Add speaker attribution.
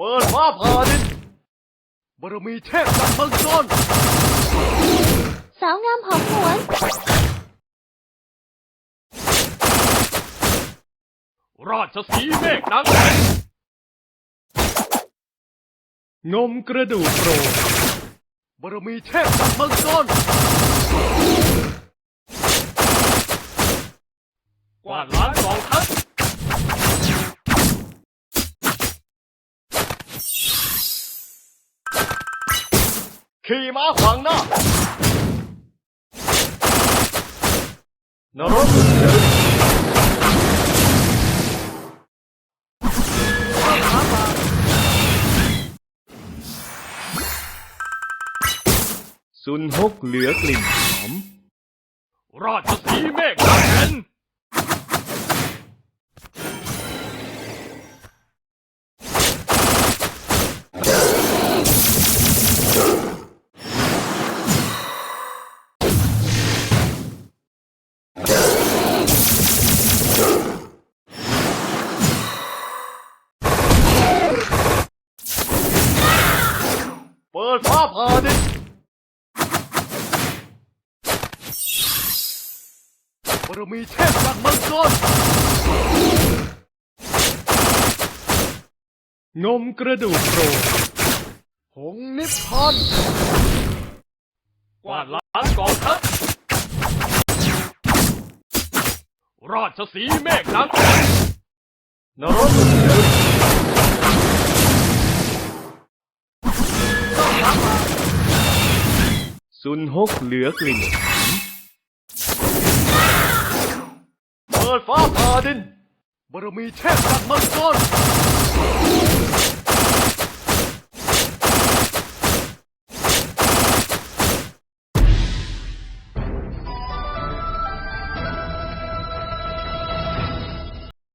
Speaker 1: ปิดฟ้าผ่าดินบารมีเทพจากเมืองโซน
Speaker 2: สาวงามหอมหวน
Speaker 1: ราชสีห์เมฆนางแอ่นงมกระดูกโปรดบารมีเทพจากเมืองโซนกวาดล้างกองทัพขี่ม้าขวางหน้านรกซุนฮกเหลือกลิ่นหอมราชสีห์เมฆนางแอ่นเปิดฟ้าผ่าดินบารมีเทพจากเมืองโซนงมกระดูกโปรดหงส์นิพพานกวาดล้างกองทัพราชสีห์เมฆนางแอ่นนรกซุนฮกเหลือกลิ่นเปิดฟ้าผ่าดินบารมีเทพจากเมืองโซน